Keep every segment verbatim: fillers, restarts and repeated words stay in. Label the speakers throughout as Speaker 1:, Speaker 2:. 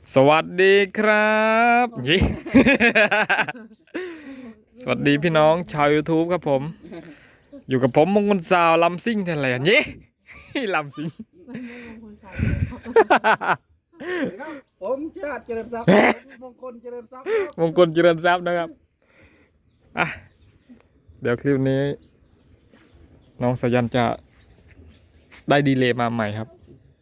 Speaker 1: สวัสดีครับยี่ สวัสดีพี่น้องชาว YouTube ครับผม อยู่กับผมมงคลสาวลำซิ่งไทยแลนด์ยี่ ลำซิ่ง
Speaker 2: ผมชาติเจริญทรัพย์มงคลเจริญทรัพย์
Speaker 1: มงคลเจริญทรัพย์นะครับอ่ะเดี๋ยวคลิปนี้ น้องสายันจะได้ดีเลย์มาใหม่ครับ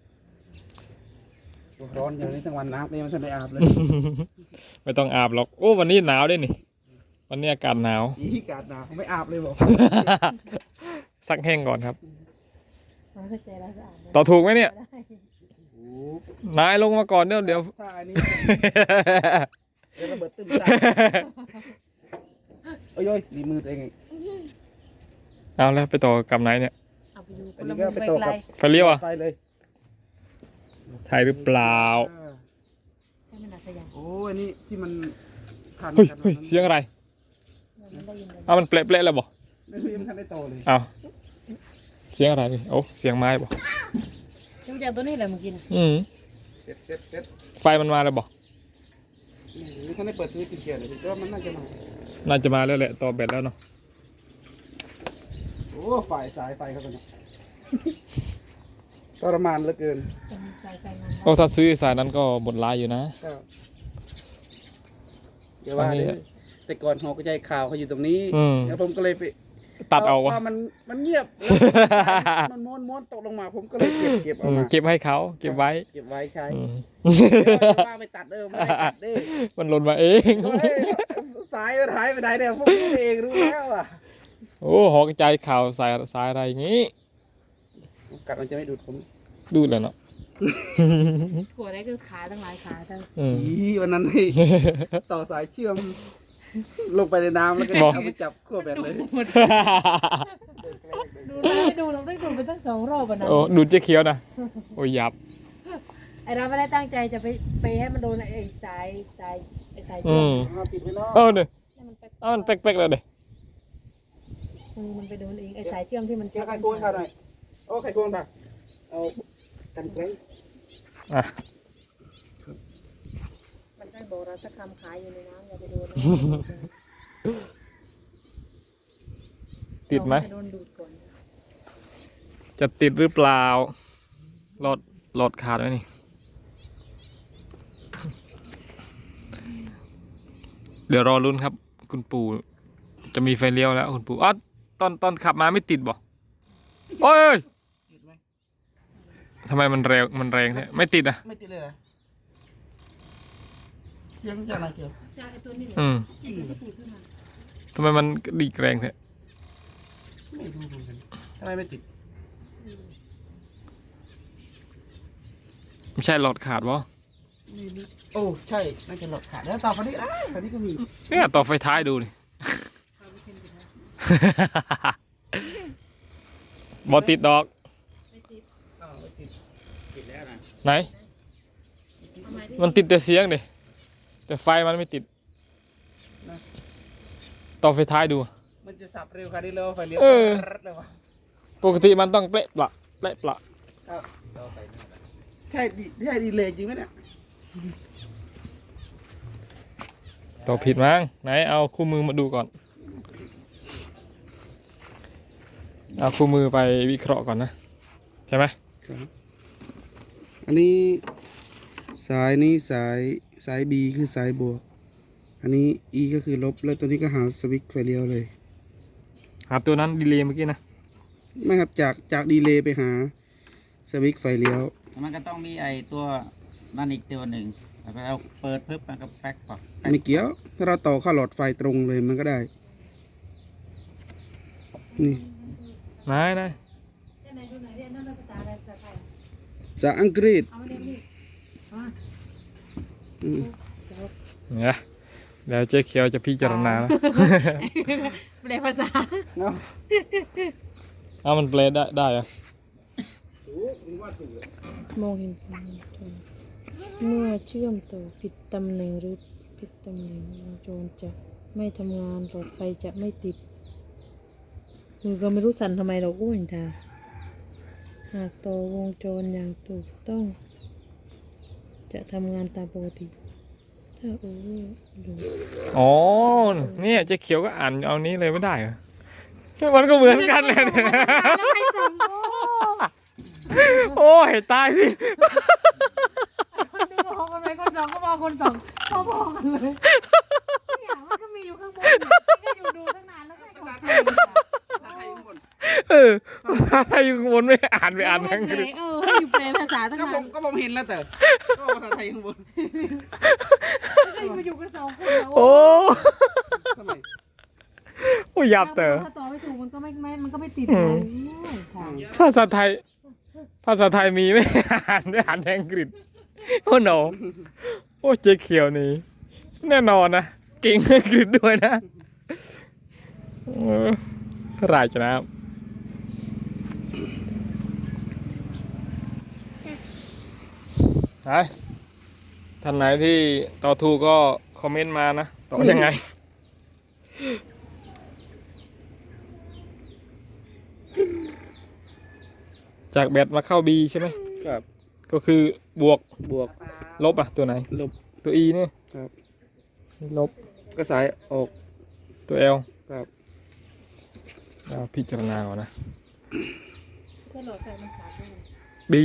Speaker 2: ร้อนอย่างนี้ทั้งวันน้ำนี่มันฉันไม่อาบเลย
Speaker 1: ไม่ต้องอาบหรอกโอ้วันนี้หนาวด้วยนี่ วันนี้อากาศหนาว
Speaker 2: อีกาดหนาวไม่อาบเลยบอก
Speaker 1: ซักแห้งก่อนครับ ต่อถูกไหมเนี่ย นายลงมาก่อนเดี๋ยวเดี๋ยว
Speaker 2: ถ้าอันนี้เดี๋ยวระเบิดตึ้มตาโอ้ยดีมือตัวเองไง
Speaker 1: เอาแล้วไปต่อกับไหนเนี่ย
Speaker 2: อันนี้ก็ไปตกกับ
Speaker 1: ไฟเลี้ยวอ่ะ
Speaker 2: ไฟเลย
Speaker 1: ใช่หรือเปล่า
Speaker 2: โอ้ยอันนี้ที่มันขัน
Speaker 1: เฮ้ย
Speaker 2: กัน
Speaker 1: เฮ้ยเสียงอะไรเอามันเปละเปละแล้วบ่
Speaker 2: ไม่รู้ยังทันได้โตเลย
Speaker 1: เอาเสียงอะไรนี่โอ้เสียงไม้บ่
Speaker 3: จำจากตัวนี้แหละมึงกิน
Speaker 1: อืม
Speaker 2: เสร็จเสร็จเสร็จ
Speaker 1: ไฟมันมาแล้วบ่
Speaker 2: นี่ท่านได้เปิดสวิตช์กินเกียร์เลยแต่ว่ามันน่าจะมา
Speaker 1: น่าจะมาแล้วแหละต่อแบตแล้วเนาะ
Speaker 2: โอ้ฝ่ายสายไฟเขาเป็นทรมานเหลือเกิน
Speaker 3: สายไฟมัน
Speaker 1: โอ้ถ้าซื้อสายนั้นก็หมดลายอยู่นะ
Speaker 2: ก็เดี๋ยวว่า
Speaker 1: อันนี้
Speaker 2: เลยแต่ก่อนหอกระจายข่าวเขาอยู่ตรงนี้
Speaker 1: อืม
Speaker 2: แล้วผมก็เลยไป
Speaker 1: ตัดเอาวะ
Speaker 2: พมันมันเงียบแล้วมันม้วนม้วนตกลงมา ผมก็เลยเก็บเก็บ
Speaker 1: อื
Speaker 2: เอา
Speaker 1: ม
Speaker 2: มา
Speaker 1: เก็บให้เขาเก็บไว้
Speaker 2: เก็บไว้ใช้
Speaker 1: อืม
Speaker 2: ว่าไปตัดเด้อไม่ได้ตัดเด้อ
Speaker 1: มันหล่นมาเอง
Speaker 2: เฮ้ยสายมันหายไปไหนเนี่ยผมรู้เองรู้แล้วอ่ะ
Speaker 1: โอ้หอกระจายข่าวสายสายอะไรอย่างงี้
Speaker 2: กัดมันจะไม่ดูดผม
Speaker 1: ดูดเลยเนาะ
Speaker 3: กลัวได้คือขาทั้งหลายขาทั้ง
Speaker 1: อืม
Speaker 2: อีวันนั้นให้ต่อสายเชื่อม ลงไปในน้ำแล้วก็
Speaker 1: บอก
Speaker 2: เอาไปจับขั้วแบตเลย
Speaker 3: ดูได้ดูเราได้ดูไปตั้งสองรอบอ่ะนะ
Speaker 1: โอ้ดูดเจ๊เขียวนะโอ้ยยับ
Speaker 3: ไอเราไม่ได้ตั้งใจจะไปไปให้มันโดนไอ้สายสายไอ้สาย
Speaker 1: อื
Speaker 3: เชือก
Speaker 1: ม
Speaker 2: เอาติดไว้เนาะ
Speaker 1: เออเนี่ย
Speaker 3: ให้มันไป
Speaker 1: เอามันเป๊กๆแล้วเด้
Speaker 3: มือมันไปโดนเองไอ้สายเชื่อมที่มัน
Speaker 2: เจ้าไข่ควงข้าวหน่อยโอ้ไข่ควงตาเอากันไกล
Speaker 1: อ่ะ
Speaker 3: มันได้บอกเราสักคำขายอยู่ในน้ำอย่าไปโดน
Speaker 1: ติดไหม
Speaker 3: โดนดูดก่อน
Speaker 1: จะติดหรือเปล่าหลอดหลอดขาดไหมนี่ เดี๋ยวรอลุ้นครับ คุณปู่จะมีไฟเลี้ยวแล้วคุณปู่อ๋อตอนตอนขับมาไม่ติดบ่โอ้ย
Speaker 2: ติดไหม
Speaker 1: ทำไมมันแรงมันแรงแท้ไม่ติดอ่ะ
Speaker 2: ไม่ติดเลยเหรอเสียงจากไหนเกี่ยว
Speaker 3: จากไอ้ตัวนี้แหละ
Speaker 1: อืม
Speaker 2: จริงเหรอ
Speaker 3: ที่ซื้อมา
Speaker 1: ทำไมมันดีดแรงแท้
Speaker 2: ไม่รู้เหมือนกันทำไมไม่ติด
Speaker 1: ไม่ใช่หลอดขาดวะ
Speaker 2: ไม่รู้โอ้ใช่น่าจะหลอดขาดแล้วต่อไปนี้อ้าวอันนี้ก็มี
Speaker 1: เนี่ยต่อไฟท้ายดูนี่ บอติดดอก
Speaker 3: ไม่ติด
Speaker 2: อ้าวไม่ติดติดแล้วนะ
Speaker 1: ไหน
Speaker 3: ทำไมดิ
Speaker 1: มันติดแต่เสียงดิแต่ไฟมันไม่ติด ต่อไฟท้ายดู
Speaker 2: มันจะสับเร็วค่ะนี่เลยไฟเลี้ยว
Speaker 1: เออ
Speaker 2: เลยวะ
Speaker 1: ปกติมันต้องเปละปละเปละปละ
Speaker 2: ครับใช่ดีใช่ดีเลยจริงไหมเนี่ย
Speaker 1: ต่อผิดมั้งไหนเอาคู่มือมาดูก่อน เอาคู่มือไปวิเคราะห์ก่อนนะ ใช่ไหม
Speaker 2: อันนี้สายนี้สายสาย B คือสายบวก อันนี้ E ก็คือลบแล้วตัวนี้ก็หาสวิตช์ไฟเลี้ยวเลย
Speaker 1: หาตัวนั้นดีเลย์เมื่อกี้นะ
Speaker 2: ไม่ครับจากจากดีเลย์ไปหาสวิตช์ไฟเลี้ยว
Speaker 4: มันก็ต้องมีไอตัวนั่นอีกตัวหนึ่งแล้วก็เราเปิดปึ๊บมันก็แป๊กปักแป๊ก
Speaker 2: ไม่เกี่ยว ถ้าเราต่อเข้าหลอดไฟตรงเลยมันก็ได้ นี่
Speaker 1: ไหนไหน
Speaker 3: เรียนไหนดูไหนเรียนนั่นเป็นภาษาอะไรภาษาไทย
Speaker 2: ภาษาอังกฤษ
Speaker 3: เอามาเรียนนี่เอามา
Speaker 2: อืม
Speaker 1: เนี่ยเดี๋ยวเจ๊เขียวจะพิจารณานะ
Speaker 3: แปลภาษา
Speaker 2: เนาะ
Speaker 1: เอามันเปลได้ได้อะ
Speaker 3: มองเห็นเมื่อเชื่อมต่อผิดตำแหน่งหรือผิดตำแหน่งวงจรจะไม่ทำงานหลอดไฟจะไม่ติดมือก็ไม่รู้สั่นทำไมเราอ้วนจ้าหากต่อวงจรอย่างถูกต้องจะทำงานตามปกติ ถ้าโอเวอร์โหลด
Speaker 1: อ๋อเนี่ยเจ๊เขียวก็อ่านเอานี้เลยไม่ได้เหรอมันก็เหมือนกันเลยเนี่ย
Speaker 3: แล้วใครส่งโอ้
Speaker 1: โอ้ยตายสิ
Speaker 3: คนหนึ่งก็มองคนไหนคนสองก็มองคนสองพอๆกันเลยเนี่ยมันก็มีอยู่ข้างบนเนี่ยก็อยู่ดูตั้งนานแล้วใครก็มา
Speaker 2: ภาษาไทยข้างบน
Speaker 1: เออถ้าอยู่ข้างบนไม่อ่านไปอ่านทั้งคืน
Speaker 3: เออให้อยู่แปลภาษาตั้ง
Speaker 2: ก็
Speaker 3: นา
Speaker 2: ผ
Speaker 3: น
Speaker 2: มก็ผมเห็นแล้วแต่ก็ภาษาไทยข้างบน
Speaker 3: ก็มาอยู่กันสองคนแล้ว
Speaker 1: โอ้
Speaker 2: ทำไม
Speaker 1: โอ้ยยับเตอ
Speaker 3: ถ้าต่อไม่ถูกมันก็ไม่ไม่มันก็ไม่ติด
Speaker 1: อื
Speaker 3: เล
Speaker 1: ม
Speaker 3: ยค่ะ
Speaker 1: ภาษาไทย ภาษาไทยมีไหมอ่านไม่อ่านแทงกฤษโอ้โหโอ้เจ๊เขียวนี่แน่นอนนะเก่งอังกฤษด้วยนะเออรายชนะไปท่านไหนที่ต่อถูกก็คอมเมนต์มานะต่อยังไง จากแบตมาเข้า B ใช่ไหม
Speaker 2: ครับ
Speaker 1: ก็คือบวก
Speaker 2: บวก
Speaker 1: ลบอ่ะตัวไหน
Speaker 2: ลบ
Speaker 1: ตัว E นี่
Speaker 2: ครับ
Speaker 1: ลบ
Speaker 2: ก็สายออก
Speaker 1: ตัว L
Speaker 2: ครับ
Speaker 1: เราพิจารณาก่อนนะ
Speaker 3: ก็หลอดไฟมันขาดด้วย
Speaker 1: B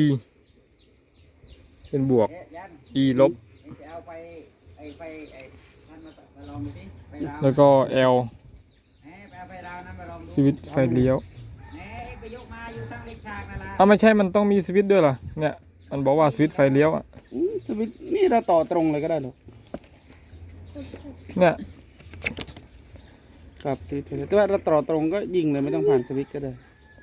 Speaker 1: เป็นบวก
Speaker 4: เอ๊ะยัน
Speaker 1: E ลบ
Speaker 4: จะเอาไปไอ้ไปไอ้นั่นมามาลองดูสิไปลาว
Speaker 1: แล้วก็ L
Speaker 4: เอ๊ะไปเอาไปลาวนั่นมาลองดู
Speaker 1: สวิตช์ไฟเลี้ยว
Speaker 4: เอ๊ะไปยกมาอยู่ตั้งเล็กฉากนั่นละ
Speaker 1: อ้าวไม่ใช่มันต้องมีสวิตช์ด้วยเหรอเนี่ยมันบอกว่าสวิตช์ไฟเลี้ยวอ่ะ
Speaker 2: อืมสวิตช์นี่เราต่อตรงเลยก็ได้หรอ
Speaker 1: เนี่ย
Speaker 2: ครับสวิตช์ไฟแต่ว่าเราต่อตรงก็ยิงเลยไม่ต้องผ่านสวิตช์ก็ได้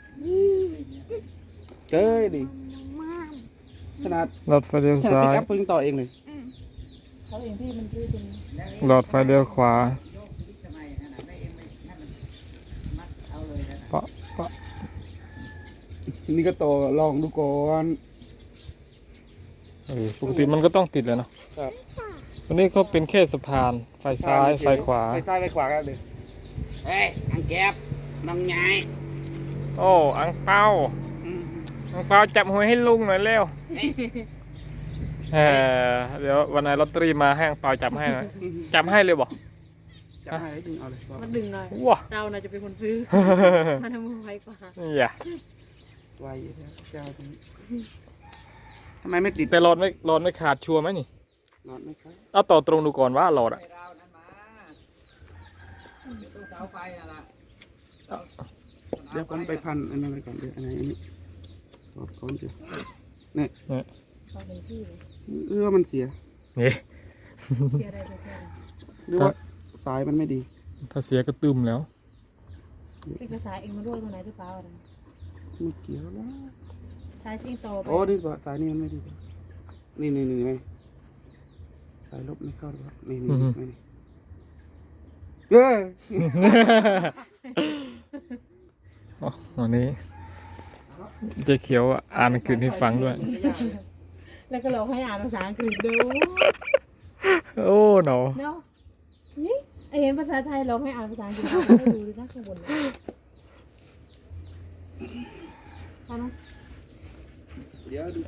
Speaker 2: เจ้ยดิขนาด
Speaker 1: หลอดไฟเลี้ยว
Speaker 2: ขนาด
Speaker 1: ซ้า
Speaker 2: ปิก
Speaker 1: ย
Speaker 2: อัพเพิ่งต่อเองเลย
Speaker 3: เขาเองที่มันพื้นตรงนี้
Speaker 1: หลอดไฟเลี้ยวขวา
Speaker 4: โยกสวิตช์ทำไมนั่นน่ะไม่เอ็มไม่ให้มันมัดเอาเลยนะ
Speaker 1: ปะปะ
Speaker 2: นี่ก็ต่อลองดูก่อน
Speaker 1: เออปกติมันก็ต้องติดเลยเนาะ
Speaker 2: ครับ
Speaker 1: วันนี้เขาเป็นแค่สะพานไฟซ้ายไฟขวา
Speaker 2: ไฟซ้ายไฟขวาก็เลย
Speaker 4: เฮ้ยอังแก็บน้องใหญ่
Speaker 1: โอ้อังเปา
Speaker 2: อืม
Speaker 1: อังเปาจับหวยให้ลุงหน่อยเร็วเออเดี๋ยววันไหนลอตเตอรี่มาให้อังเปาจับให้หน่อยจับให้เลยบอก
Speaker 2: จะให้ดึงเอาเลยบอก
Speaker 3: มันดึงหน่อย
Speaker 1: ว้า
Speaker 3: เราน่าจะเป็นคนซื้อมันทำมือไวกว่า
Speaker 1: อย่า
Speaker 2: ไวแล้วเจ้าตัวนี้ทำไมไม่ติด
Speaker 1: แต่หลอดไม่หลอดไม่ขาดชัวร์ไหมนี่
Speaker 2: น็อตไหมครับ
Speaker 1: เอาต่อตรงดูก่อนว่าหลอด
Speaker 4: ไป
Speaker 1: อะ
Speaker 4: ดาวนั้นมาอยู่ตรงเสาไฟนั่นล่ะ
Speaker 2: เดี๋ยวผมไปพันอันนั้นไปก่อนเดี๋ยวอันไหนอันนี้ตอบก่อนสิ
Speaker 3: เขาเป็นที่เลย
Speaker 2: หรือว่ามันเสีย
Speaker 1: นี่
Speaker 3: เสียอะไรไปแค่
Speaker 2: หรือว่าสายมันไม่ดี
Speaker 1: ถ้าเสียก็ตึมแล้ว
Speaker 3: เป็นภาษาเองมาด้วยตรงไหนหรือเปล่าอะไร
Speaker 2: ไม่เกี่ยวแล้ว
Speaker 3: สายซิงโตไป
Speaker 2: โอ้นี่ว่าสายนี้มันไม่ดี นี่นี่นี่ไหมสายลบไม่เข้าหรอครับนี่นี่
Speaker 1: อือฮึ
Speaker 2: ไม่นี่เย้
Speaker 1: อ๋อวันนี้เจ๊เขียวอ่านอังกฤษให้ฟังด้วย
Speaker 3: แล้วก็เราให้อ่านภาษาอังกฤษดู
Speaker 1: โอ้หนอ
Speaker 3: เนาะนี่ไอเห็นภาษาไทยเราให้อ่านภาษาอังกฤษเราไม่ดูเลยนะข้างบนเลยใช่ไหม
Speaker 2: เดี๋ยวดู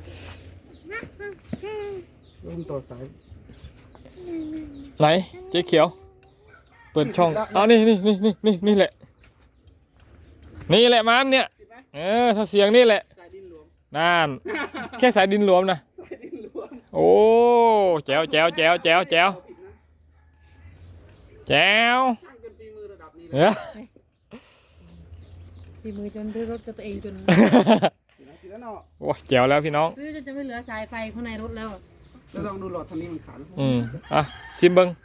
Speaker 2: ลงต่อสาย
Speaker 1: ไหนเจ๊เขียว เปิดช่องเอานี่นี่นี่นี่นี่นี่แหละ นี่แหละมันเนี่ย เออถ้าเสียงนี่แหละ
Speaker 2: สายดินหลวม
Speaker 1: นั่นแค่สายดินหลวมนะ
Speaker 2: สายดินหลวม
Speaker 1: โอ้แจ๋วแจ๋วแจ๋วแจ๋วแจ๋ว
Speaker 2: ผิดนะ
Speaker 1: แจ๋ว
Speaker 2: ช่างจนฝีมือระดับนี้
Speaker 1: เอ
Speaker 2: นะ
Speaker 1: อ
Speaker 3: ตีมือจนด้วยรถกับตัวเองจน
Speaker 2: ผิดนะผิดแล้วเนาะ
Speaker 1: โอ้แจ๋วแล้วพี่น้อง
Speaker 3: ซื้อจนจะไม่เหลือสายไฟข้างในรถแล้ว
Speaker 2: แล้วลองดูหลอดทางนี้มันขาด
Speaker 1: อืมอ่ะซิมเบิง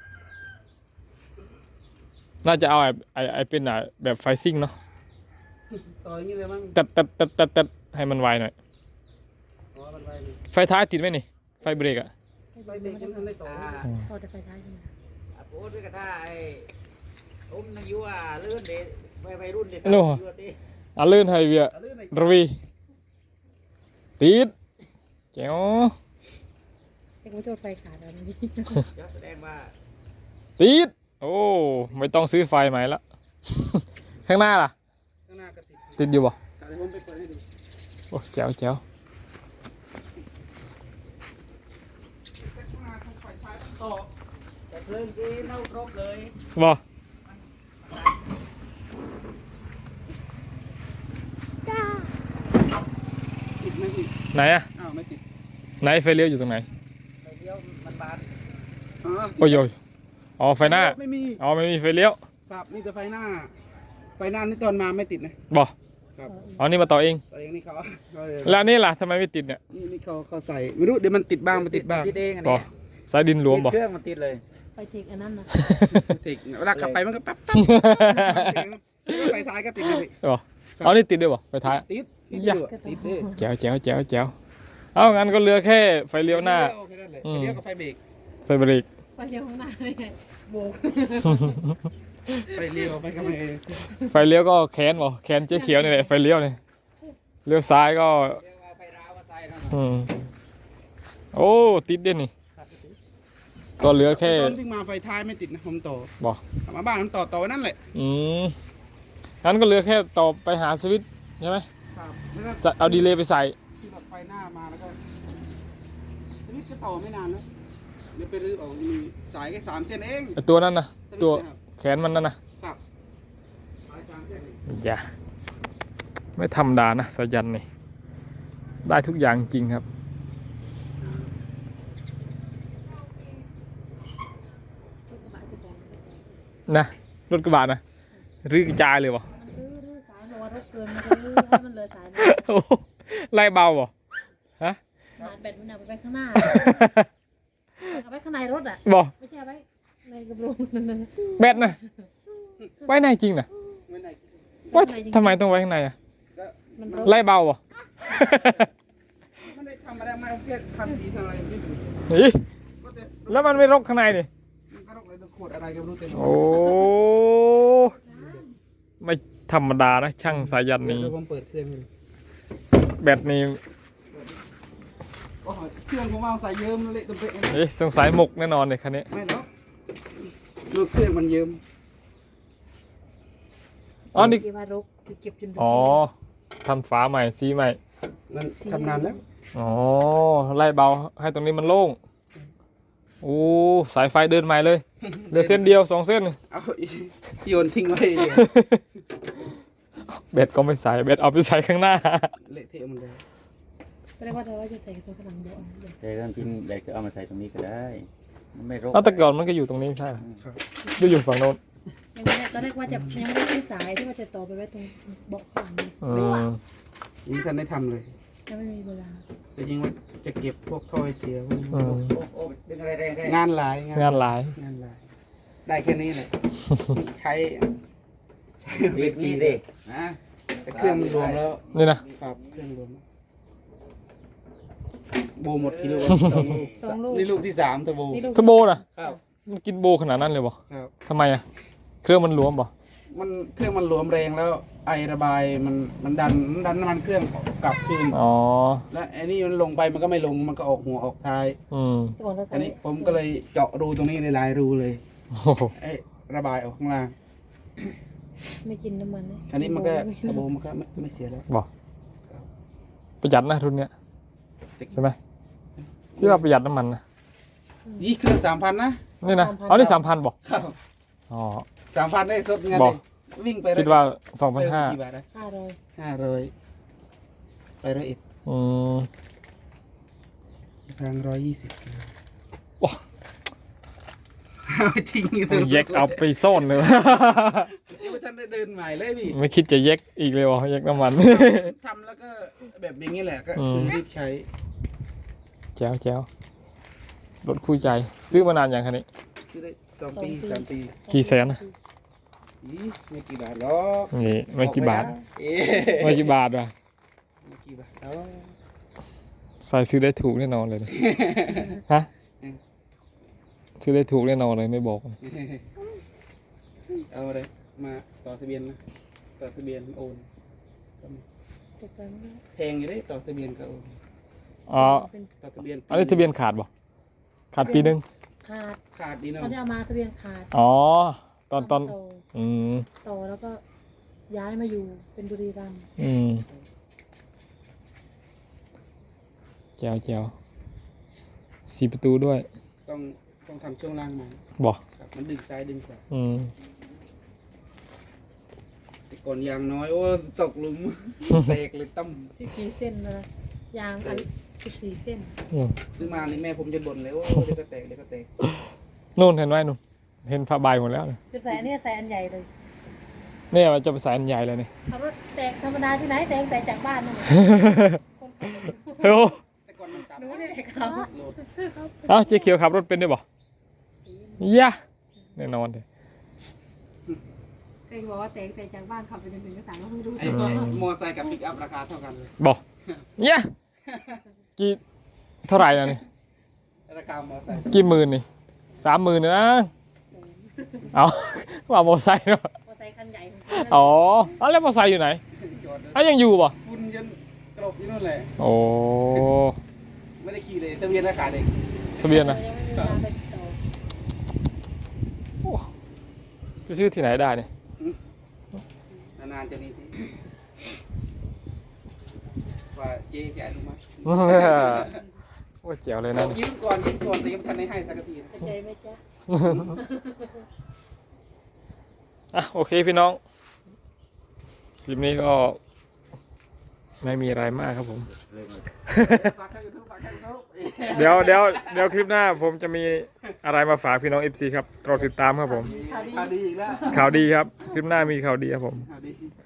Speaker 1: น่าจะเอาไอ้ไอ้ไอ้เป็นอ่ะแบบไฟซิ่งเนาะ
Speaker 2: ต่ออย่างนี้เลยมั้ง
Speaker 1: ตัดตัดตัดตัดตัดให้มันไวหน่อย
Speaker 2: อ๋อมันไวนี่
Speaker 1: ไฟท้ายติดไหมนี่ ไฟเบรกอ่ะ
Speaker 2: ไฟเบรกยังไม่ทันได้ต่อ
Speaker 4: อ่า
Speaker 3: พอแต่ไฟท้ายใช่ไหม
Speaker 4: อ่ะพูดด้วยกันได้ไอ้อุ้มนางยัวเลื่อนเด็ไปไปรุ่นเด็ด
Speaker 1: โน่
Speaker 4: เลื่อนดิ
Speaker 1: อ่ะลื่นไฮเวีย
Speaker 2: เอาเรื่องไหน
Speaker 1: รวีติดแจ๋ว
Speaker 3: เอ็กซ์โจทย์ไฟขาดแล้วนี่
Speaker 4: จะแสดงว่า
Speaker 1: ติดโอ้ไม่ต้องซื้อไฟใหม่ละ ข้างหน้าล่ะ
Speaker 2: ข้างหน้าก็ติด
Speaker 1: ติดอยู่บ่
Speaker 2: เดี๋ยวผมไปเปิดให้ดู
Speaker 1: โอ้แจ๋วแจ๋ว
Speaker 2: ต่อ
Speaker 4: แต่เพลิงที่เน่าครบเลย
Speaker 1: บ่
Speaker 2: ติดไหมอีก
Speaker 1: ไหนอะ
Speaker 2: อ้าวไม่ติด
Speaker 1: ไหนไฟเลี้ยวอยู่ตรงไหน
Speaker 4: ไปเดียวมันบาน
Speaker 2: อ๋อ
Speaker 1: โอ้ยโยอ๋อไฟหน้า
Speaker 2: ไม่มี
Speaker 1: อ๋อไม่มีไฟเลี้ยว
Speaker 2: ครับนี่แต่ไฟหน้า ไฟหน้านี่ตอนมาไม่ติดนะ
Speaker 1: บ่
Speaker 2: ครับ
Speaker 1: อ๋อนี่มาต่อเอง
Speaker 2: ตัวเองนี่เขาเขาเลย
Speaker 1: แล้วอันนี่ล่ะทำไมไม่ติดเนี่ย
Speaker 2: นี่นี่เขาเขาใส่ไม่รู้เดี๋ยวมันติดบ้างไม่ติดบ้าง
Speaker 4: ติดเองอัน
Speaker 1: บ่
Speaker 4: นี้
Speaker 1: สายดินหลวมบ่
Speaker 4: เครื่องมันติดเลย
Speaker 3: ไปเทคอันนั้นนะ
Speaker 2: ติดเวลาขับไปมันก็ปั๊บปั๊บไฟท้ายก็ติดเลย
Speaker 1: บ่อ๋อนี่ติดด้วยบ่ไฟท้าย
Speaker 2: ติดติด
Speaker 1: ยะ
Speaker 2: อยู่อะติดเลย
Speaker 1: แจ๋วแจ๋วแจ๋วแจ๋วเอางั้นก็เหลือแค่ไฟเลี้ยวหน้า
Speaker 2: โอเคนั่นแหละ
Speaker 1: อืม
Speaker 2: ไฟเลี้ยวกับไฟเบรก
Speaker 1: ไฟเบรก
Speaker 3: ไปเลี้ยวข้างหน้าเลยโบก
Speaker 2: ไฟเลี้ยวไฟกำลัง
Speaker 1: ไฟเลี้ยวก็แคนบ่แคนเจ๊เขียวนี่แหละไฟเลี้ยวนี่เลี้ยวซ้ายก็
Speaker 4: เรียกว่าไฟร้าวมาใส่นะ
Speaker 1: อืมโอ้ติดเด่นนี่ก็เหลือแค่
Speaker 2: ตอนวิ่งมาไฟท้ายไม่ติดนะผมต่อ
Speaker 1: บ่
Speaker 2: กลับมาบ้านผมต่อต่อไว้นั่นแหละ
Speaker 1: อืมงั้นก็เหลือแค่ต่อไปหาสวิตช์ใช่ไหม
Speaker 2: ครับแล้วก็
Speaker 1: ใส่เอาดีเลย์ไปใส่
Speaker 2: ที่แบบไฟหน้ามาแล้วก็ทีนี้ก็ต่อไม่นานแล้วเดี๋ยวไปรื้อออกมีสายแค่สามเส้นเอง
Speaker 1: ไอ้ตัวนั้นนะตัว
Speaker 2: สวิตช์
Speaker 1: แขนมันนั่นนะครับ
Speaker 2: สายสามเส้นเอง
Speaker 1: อย่าไม่ธรรมดานะสายันนี่ได้ทุกอย่างจริงครับ นะรถกระบะนะรื้อกระจายเลยบ่
Speaker 3: รื้อรื้อสายบอกว่ารถเกินมันรื้อให้มันเหลือสายนะ
Speaker 1: โอ้โหไล่เบาบ่ฮะ
Speaker 3: หาแบตมันเอาไปไว้ข้างหน้าเอาไว้ข้างในรถอ่ะ
Speaker 1: บ่
Speaker 3: ไม่ใช่เอาไว้ในกระโปรงนั่นน่ะ
Speaker 1: แบตนะไว้ในจริงนะ
Speaker 2: ไม่ไหน
Speaker 1: ว่าทำไมต้องไว้ข้างในอะ
Speaker 2: ก็
Speaker 3: มัน
Speaker 2: มัน
Speaker 3: รถ
Speaker 1: ไล่เบาบ่
Speaker 2: ไม่ได้ทำอะไรมาแค่ทำสีทำอะไรไม่รู้
Speaker 1: นี่
Speaker 2: ก็แต่
Speaker 1: แล้วมันไม่รกข้างในนี่
Speaker 2: มันก็รกเลยขวดอะไรก็ไม่รู้เต็ม
Speaker 1: โอ้ไม่ธรรมดานะช่างสายัน
Speaker 2: เดี๋ยว
Speaker 1: นี้
Speaker 2: เดี๋ยวผมเปิดเครื่องให้ดู
Speaker 1: แบตนี้
Speaker 2: โอ้โหเครื่องผมวางใส่เยิ้มเละตุ้มเป๊ะเลย
Speaker 1: เอ๊ะสงสัยหมกแน่นอนเลยคันนี้
Speaker 2: ไม่หรอกลูกเครื่องมันเยิ้ม
Speaker 1: อ๋อนี่
Speaker 3: ที่ว่ารกที่เก็บจน
Speaker 1: อ๋อทำฝาใหม่ซีใหม่
Speaker 2: นั่นทำนานแล้ว
Speaker 1: อ๋อไล่เบาให้ตรงนี้มันโล่งโอ้สายไฟเดินใหม่เลยเหลือเส้นเดียวสองเส้น
Speaker 2: เอาโยนทิ้งไว้
Speaker 1: เบ็ดก็ไม่ใส่เบ็ดเอาไปใส่ข้างหน้า
Speaker 2: เละเทะหมันเลย
Speaker 3: ก็เรียกว่าเธอว่าจะใส่ตัวข้างหลังเบาะ
Speaker 4: แต่เรื่องจริงแบกจะเอามาใส่ตรงนี้ก็ได้มันไม่รก
Speaker 1: แล้วแต่ก่อนมันก็อยู่ตรงนี้ใช่ไหม
Speaker 2: ครับ
Speaker 1: หรืออยู่ฝั่งโน้น
Speaker 3: ยังไม่ได้ตอนแรกว่าจะยังไม่ได้ซื้อสายที่ว่าจะต่อไปไว้ตรงเบาะข้างหลัง
Speaker 1: อืม
Speaker 2: ยังทันได้ทำเลย
Speaker 3: ยังไม่มีเวลา
Speaker 2: แต่จริงว่าจะเก็บพวกถ้อยเสียพวกนี้
Speaker 1: อืม
Speaker 4: โอ้โอ้ดึงอะไรแรงได้
Speaker 2: งานหลาย
Speaker 1: งานหลาย
Speaker 2: งานหลาย ได้แค่นี้ เลยใช้ใช้
Speaker 4: ดีดีดินะ
Speaker 2: แต่เครื่องมันรวมแล้ว
Speaker 1: นี่นะครับ
Speaker 2: เครื่องรวมแล้วโบหมดกี่ลูก
Speaker 3: สองลูก
Speaker 2: นี่ลูกที่สามตะโบ
Speaker 3: นี่ลูก
Speaker 1: ทโบนะครับ มันกินโบขนาดนั้นเลยบ่
Speaker 2: ครับ
Speaker 1: ทำไมอ่ะเครื่องมันหลวมบ่
Speaker 2: มันเครื่องมันรวมแรงแล้ว ไอระบายมันมันดันมันดันน้ำมันเครื่องกลับคืน
Speaker 1: อ๋อ
Speaker 2: แล้วไอ้นี่มันลงไปมันก็ไม่ลงมันก็ออกหัวออกท้าย
Speaker 1: อืม
Speaker 3: ก่อนเรา
Speaker 2: อันนี้ผมก็เลยเจาะรูตรงนี้ในหลายรูเลย
Speaker 1: โอ้โห
Speaker 2: ไอ้ระบายออกข้างล่าง
Speaker 3: ไม่กินน้ำมันนะ
Speaker 2: อันนี้มันก็ตะโบมันก็ไม่ไม่เสียแล้ว
Speaker 1: บ่ประหยัดนะทุนเนี้ยใช่ไหมพี่ว่าประหยัดน้ำมันนะ
Speaker 2: ยี่เครื่องสามพันนะ
Speaker 1: นี่นะเอานี่สามพันบ่
Speaker 2: ครับ
Speaker 1: อ๋อ
Speaker 2: สามพันได้สดงาน
Speaker 1: บ
Speaker 2: เล
Speaker 1: อก
Speaker 2: ยวิ่งไป
Speaker 1: คิดว่าสองพันห้า
Speaker 2: กี่บาทนะ
Speaker 3: ห้าร้อย
Speaker 2: ห้าร้อยไปร้อยเอ็ด
Speaker 1: อืม
Speaker 2: ทางร้อยยี่สิบ
Speaker 1: ว้า
Speaker 2: เอาไปทิ้งอยู่ตรง
Speaker 1: แยกเอาไปซ่อนเลย
Speaker 2: ยังไม่ทันได้เดินใหม่เลยพี่
Speaker 1: ไม่คิดจะแยกอีกเลยวะแยกน้ำมัน
Speaker 2: ทำแล้วก็แบบอย่างนี้แหละก็
Speaker 1: อืม
Speaker 2: คือรีบใช้
Speaker 1: แจ๋วแจ๋วรถคู่ใจ ซื้อมานานอย่างคันนี้
Speaker 2: ซื้อได้สองปีสามปี
Speaker 1: กี่แสนนะ
Speaker 2: อีไม่กี่บาทหรอก
Speaker 1: นี่ไม่กี่บาท
Speaker 2: เอ๊ะ
Speaker 1: ไม่กี่บาทว่ะ
Speaker 2: ไม่กี่บาทหรอก
Speaker 1: ใส่ซื้อได้ถูกแน่นอนเลยนะ ฮะซื้อได้ถูกแน่นอนเลยไม่บอก
Speaker 2: เอาอะไรมาต่อทะเบียนนะต่อทะเบียนโอน
Speaker 3: ตกไปไม่ได้
Speaker 2: แพงอยู่เลยต่อทะเบียนก็โอน
Speaker 1: อ๋อ
Speaker 3: เป็น
Speaker 2: ต่อทะเบียน
Speaker 1: อันนี้ทะเบียนขาดบ่ขาดปีหนึ่ง
Speaker 3: ขาด
Speaker 2: ขาดดี
Speaker 3: ต
Speaker 2: เนาะ
Speaker 3: อนที่เอามาทะเบียนขาด
Speaker 1: อ๋อ ตอนตอน
Speaker 3: ต่อ
Speaker 1: อืม
Speaker 3: ต่อแล้วก็ย้ายมาอยู่เป็นบุรีรัมย์
Speaker 1: อืมแจ๋วแจ๋วสี่ประตูด้วย
Speaker 2: ต้องต้องต้องทำช่วงล่างใหม่
Speaker 1: บอก
Speaker 2: ครับมันดึงซ้ายดึงขวา
Speaker 1: อืม
Speaker 2: แต่ก่อนยางน้อยโอ้ตกหลุม เตกเลยตั้ม
Speaker 3: สิบสี่เส้นเลยยางอันสิบสี่เส้น
Speaker 1: อืม
Speaker 2: ซื้อมานี่แม่ผมจะบ่นเลยโอ้เดี๋ยวก็แตกเดี๋ยวก็แตก
Speaker 1: นู่นเห็นไหมนู่นเห็นผ้าใบหมดแล้วเนี่ย
Speaker 3: จะใส่อันนี้ใส่อันใหญ่เลย
Speaker 1: เนี่ยมันจะไปใส่อันใหญ่เลยนี่
Speaker 3: ขับรถแตกธรรมดาที่ไหนแตกแต่จากบ้านนั่นแหละคนขับรถ
Speaker 1: เฮ้ย
Speaker 2: แต่ก่อนมันต่ำ
Speaker 3: หนูนี่แหละครับ
Speaker 2: โหลด
Speaker 1: เอ้าเจ๊เขียวขับรถเป็นด้วยบ่ยะแน่นอนเลย
Speaker 3: เคยบอกว่าแตกแต่จากบ้านขับไปจนถึงกระสังก็ไม่รู้
Speaker 2: ไอ้มอไซค์กับปิกอัพราคาเท่ากันเลย
Speaker 1: บอกยะกี่เท่าไหร่นะนี่
Speaker 2: ราคามอไซค์
Speaker 1: กี่หมื่นนี่สามหมื่นนะเอาว่ามอไซค์เนาะ
Speaker 3: มอเตอร์ไซค์คันใหญ่ของ
Speaker 1: อ๋อเอาแล้วมอไซค์อยู่ไหน
Speaker 2: จอดเลย
Speaker 1: อ่ะยังอยู่ป่ะ
Speaker 2: ฝุ่นยันกรบอยู่นู่นแหละ
Speaker 1: โอ้
Speaker 2: ไม่ได้ขี่เลยทะเบียนราคาเด็ก
Speaker 1: ทะเบียนนะ
Speaker 3: ยังไม่มีเวลาไปต่อ
Speaker 1: โอ้ไปซื้อที่ไหนได้เนี่ย
Speaker 2: นานๆจะมีทีว่าเจ๊จะอนุมัติ
Speaker 1: โอ้เจ๋วเลยนะนี่
Speaker 2: ยืมก่อนยืมก่อนแต่ยังไม่ทันได้ให้สักทีนะ
Speaker 3: เข้าใจไหมจ๊ะ
Speaker 1: อ่ะโอเคพี่น้องคลิปนี้ก็ไม่มีอะไรมากครับผม
Speaker 2: ฝากให้ยูทูบฝากให้ยูทูบ
Speaker 1: เดี๋ยวเดี๋ยวเดี๋ยวคลิปหน้าผมจะมีอะไรมาฝากพี่น้อง เอฟ ซี ครับรอติดตามครับผม
Speaker 2: ข่าวดีอีกแล้ว
Speaker 1: ข่าวดีครับ คลิปหน้ามีข่าวดีครับผม
Speaker 2: ข่าวดี